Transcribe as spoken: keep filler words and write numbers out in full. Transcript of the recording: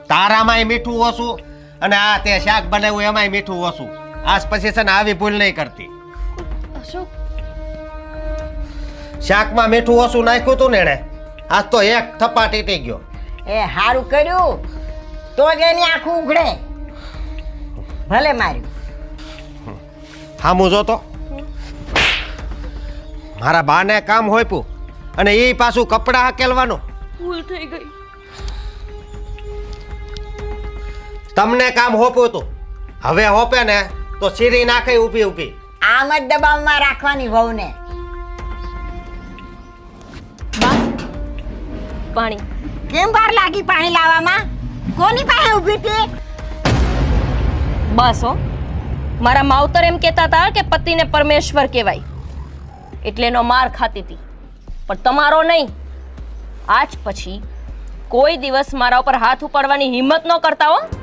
તારામાંય મીઠું ઓછું અને આ તે શાક બનાવ્યું એમાંય મીઠું ઓછું. આજ પછી છે ને આવી ભૂલ નહીં કરતી. અશોક, શાકમાં મીઠું ઓછું નાખ્યું તું ને એણે, આજ તો એક થપ્પા ટીટી ગયો. એ સારું કર્યું તો જ એની આંખું ઉઘડે. ભલે માર્યું. હામું જો તો મારા બાને કામ હોયપું અને એ પાછું કપડાં હકેલવાનું. ભૂલ થઈ ગઈ. તમને કામ હોપ્યું તું, હવે હોપે ને તો સીરી નાખે ઊભી ઊભી. આમ જ દબાવમાં રાખવાની વહુને. બા, પાણી. કેમ વાર લાગી પાણી લાવવામાં? કોની પાસે ઊભી હતી? બસ હો, મારા માવતર એમ કહેતા હતા કે પતિને પરમેશ્વર કહેવાય, એટલે એનો માર ખાતી હતી, પણ તમારો નહીં. આજ પછી કોઈ દિવસ મારા ઉપર હાથ ઉપાડવાની હિંમત ન કરતા હો.